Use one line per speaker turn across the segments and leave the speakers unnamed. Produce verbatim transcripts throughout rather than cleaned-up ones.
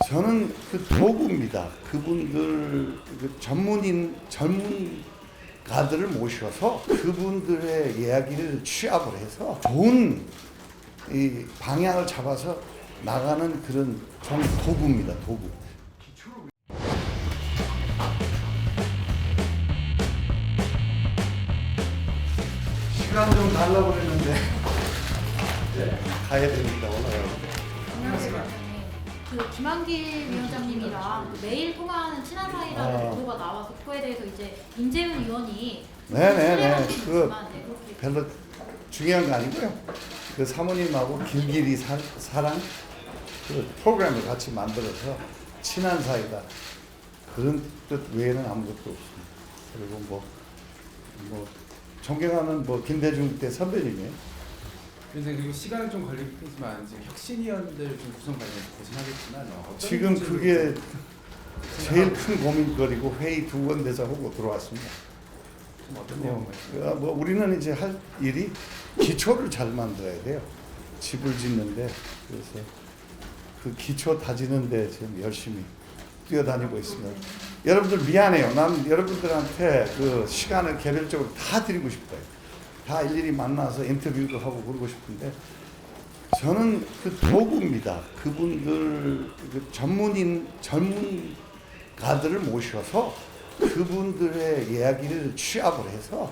저는 그 도구입니다. 그분들 그 전문인 전문가들을 모셔서 그분들의 이야기를 취합을 해서 좋은 이 방향을 잡아서 나가는 그런 정 도구입니다. 도구. 시간 좀 달라고 그랬는데 이제 가야 됩니다. 올라가요.
안녕하세요. 그 김한길 위원장님이랑 그 매일 통화하는 친한 사이라는
아.
보도가 나와서 그거에 대해서 이제 임재훈 의원이
네네네.
신뢰하시는
그
있지만, 네, 그렇게
별로 중요한 거 아니고요. 그 사모님하고 길길이 사, 사랑 그 프로그램을 같이 만들어서 친한 사이다. 그런 뜻 외에는 아무것도 없습니다. 그리고 뭐, 뭐 존경하는 뭐 김대중 때 선배님이에요.
그래서 그리고 시간은 좀 걸리겠지만 지금 혁신위원들 좀 구성 관련해서 고심하겠지만 어, 어떤
지금
문제로
그게
좀
제일 큰 고민거리고 회의 두 번 돼서 하고 들어왔습니다.
좀 어떤
뭐,
내용을
그, 뭐 우리는 이제 할 일이 기초를 잘 만들어야 돼요. 집을 짓는데 그래서 그 기초 다지는데 지금 열심히 뛰어다니고 있습니다. 여러분들 미안해요. 난 여러분들한테 그 시간을 개별적으로 다 드리고 싶어요. 다 일일이 만나서 인터뷰도 하고 그러고 싶은데 저는 그 도구입니다. 그분들 그 전문인 전문가들을 모셔서 그분들의 이야기를 취합을 해서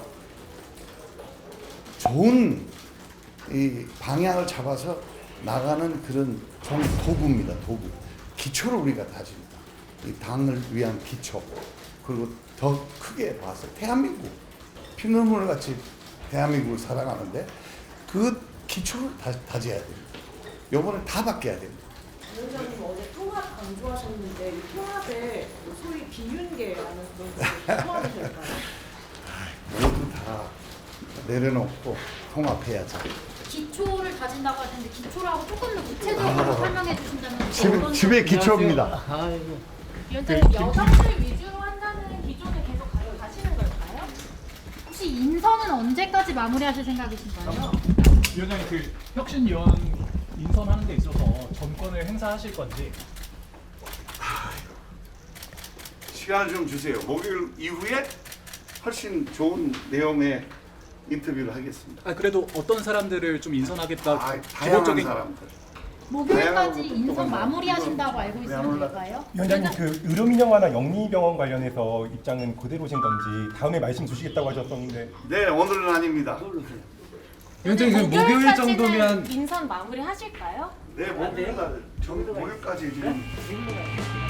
좋은 이 방향을 잡아서 나가는 그런 정 도구입니다. 도구. 기초를 우리가 다집니다. 이 당을 위한 기초. 그리고 더 크게 봐서 대한민국 피눈물 같이 대한민국을 사랑하는데 그 기초를 다, 다져야 됩니다. 요번에 다 바뀌어야 됩니다.
위원장님 어제 통합 강조하셨는데 이 통합에 소위 비윤계라는 그런 것을 포함하실까요?
모두 다 내려놓고 통합해야죠.
기초를 다진다고 하셨는데 기초라고 조금 더 구체적으로 설명해 주신다면
집,
어떤
집의 기초입니다.
위원장님 여성들 위주로 한다는 기존에 계속 가- 가시는 걸까요?
혹시 인선은 언제까지 마무리하실 생각이신가요?
위원장님 그 혁신위원 인선하는 데 있어서 전권을 행사하실 건지.
시간을 좀 주세요. 목요일 이후에 훨씬 좋은 내용의 인터뷰를 하겠습니다.
아 그래도 어떤 사람들을 좀 인선하겠다.
아, 다양한 사람들.
목요일까지
다양한
인선
것도
마무리하신다고 알고
왜안
있으면
올라가?
될까요?
위원장님 그 의료민영화나 영리병원 관련해서 입장은 그대로신 건지 다음에 말씀 주시겠다고 하셨었는데
네, 오늘은 아닙니다.
위원장님 그럼 목요일 정도면
인선 마무리 하실까요?
네, 목요일 날 전 목요일까지 지금